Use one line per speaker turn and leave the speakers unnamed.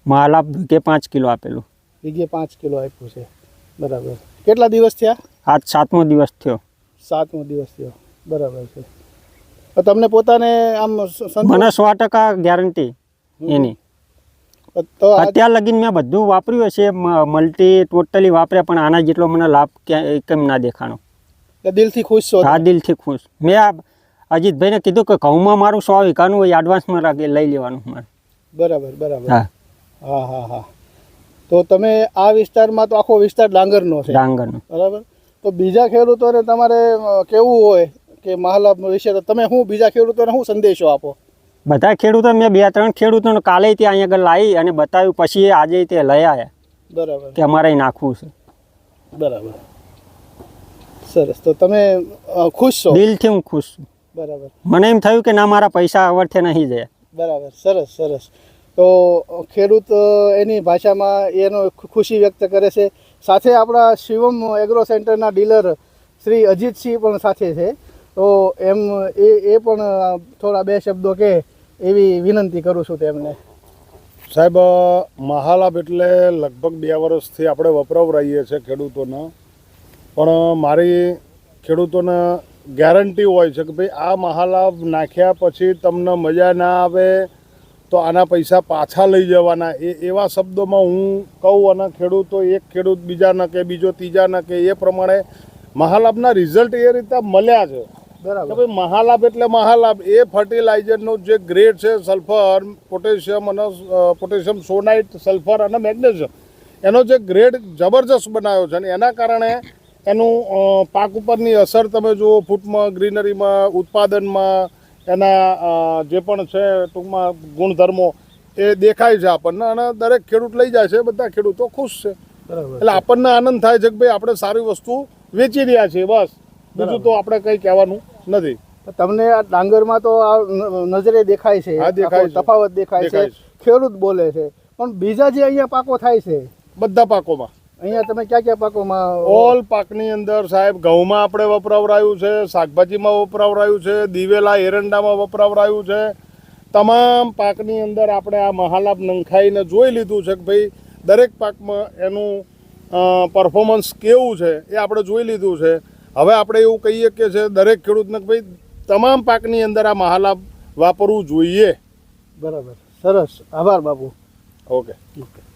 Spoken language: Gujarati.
મહાલાભ વીઘે 5 કિલો આપેલું.
વીઘે 5 કિલો આપ્યું છે, બરાબર. કેટલા દિવસ થયા?
આજ 7મો દિવસ થયો.
7મો દિવસ થયો, બરાબર છે. તો તમને પોતાને આમ
મને 100% ગેરંટી એની.
તો
અત્યાર લગીન મેં બધું વાપર્યું હશે, મલ્ટી ટોટલી વાપર્યા, પણ આના જેટલો મને લાભ ક્યાંય કેમ ના દેખાણો.
દિલથી ખુશ છો?
હા, દિલથી ખુશ. મેં અજીતભાઈને કીધું કે ઘઉંમાં મારું 100 વીઘાનું હોય, એડવાન્સમાં લઈ લેવાનું મારે.
બરાબર બરાબર.
હા
હા હા હા. તો તમે આ વિસ્તારમાં તો આખો વિસ્તાર ડાંગરનો છે?
ડાંગરનો.
બરાબર. તો બીજા ખેડૂતોને તમારે કેવું હોય કે મહાલાભ વિશે, તો તમે શું બીજા ખેડૂતોને શું સંદેશો આપો?
બધા ખેડૂતો મેં 2-3 ખેડૂતોને કાલે ત્યાં અહીંયા આગળ લાવી અને બતાવ્યું, પછી આજે તે લઈ આવ્યા.
બરાબર.
કે અમારે નાખવું છે.
બરાબર, સરસ. તો તમે ખુશ છો?
દિલથી હું ખુશ છું.
બરાબર.
મને એમ થયું કે ના, મારા પૈસા અવર્થે નહીં જાય.
બરાબર, સરસ સરસ. તો ખેડૂત એની ભાષામાં એનો ખુશી વ્યક્ત કરે છે. સાથે આપણા શિવમ એગ્રો સેન્ટરના ડીલર શ્રી અજીતસિંહ પણ સાથે છે. તો એ પણ થોડા 2 શબ્દો કહે એવી વિનંતી કરું છું તેમને.
સાહેબ, મહાલાભ એટલે લગભગ 2 વર્ષથી આપણે વપરાવરાઈએ છીએ ખેડૂતોને, પણ મારી ખેડૂતોને ગેરંટી હોય છે કે ભાઈ આ મહાલાભ નાખ્યા પછી તમને મજા ના આવે તો આના પૈસા પાછા લઈ જવાના, એવા શબ્દોમાં હું કહું, અને ખેડૂતો એક ખેડૂત બીજાને કે બીજો ત્રીજાને કે એ પ્રમાણે મહાલાભના રિઝલ્ટ એ રીતે મળ્યા છે.
બરાબર.
ભાઈ મહાલાભ એટલે મહાલાભ એ ફર્ટિલાઇઝરનો જે ગ્રેડ છે, સલ્ફર, પોટેશિયમ અને પોટેશિયમ સોનાઇટ, સલ્ફર અને મેગ્નેશિયમ, એનો જે ગ્રેડ જબરજસ્ત બનાવ્યો છે. અને એના કારણે એનું પાક ઉપરની અસર તમે જુઓ, ફૂટમાં, ગ્રીનરીમાં, ઉત્પાદનમાં, એના જે પણ છે ટૂંકમાં ગુણધર્મો એ દેખાય છે આપણને, અને દરેક ખેડૂત લઈ જાય છે, બધા ખેડૂતો ખુશ છે.
બરાબર.
એટલે આપણને આનંદ થાય છે કે ભાઈ આપણે સારી વસ્તુ વેચી રહ્યા છીએ, બસ. બીજું તો આપણે કંઈ કહેવાનું નથી.
તમને આ ડાંગરમાં તો આ નજરે દેખાય છે,
હા, દેખાય છે.
તફાવત દેખાય છે, ખેડૂત બોલે છે, પણ બીજા જે અહીંયા પાકો થાય છે,
બધા પાકોમાં
અહીંયા તમે ક્યાં પાકોમાં?
ઓલ પાકની અંદર સાહેબ, ઘઉંમાં આપણે વપરાવરાયું છે, શાકભાજીમાં વપરાવરાયું છે, દિવેલા એરંડામાં વપરાવરાયું છે. તમામ પાકની અંદર આપણે આ મહાલાભ નંખાઈને જોઈ લીધું છે કે ભાઈ દરેક પાકમાં એનું પરફોર્મન્સ કેવું છે એ આપણે જોઈ લીધું છે. હવે આપણે એવું કહીએ કે છે દરેક ખેડૂતને કે ભાઈ તમામ પાકની અંદર આ મહાલાભ વાપરવું જોઈએ.
બરાબર, સરસ. આભાર બાપુ.
ઓકે.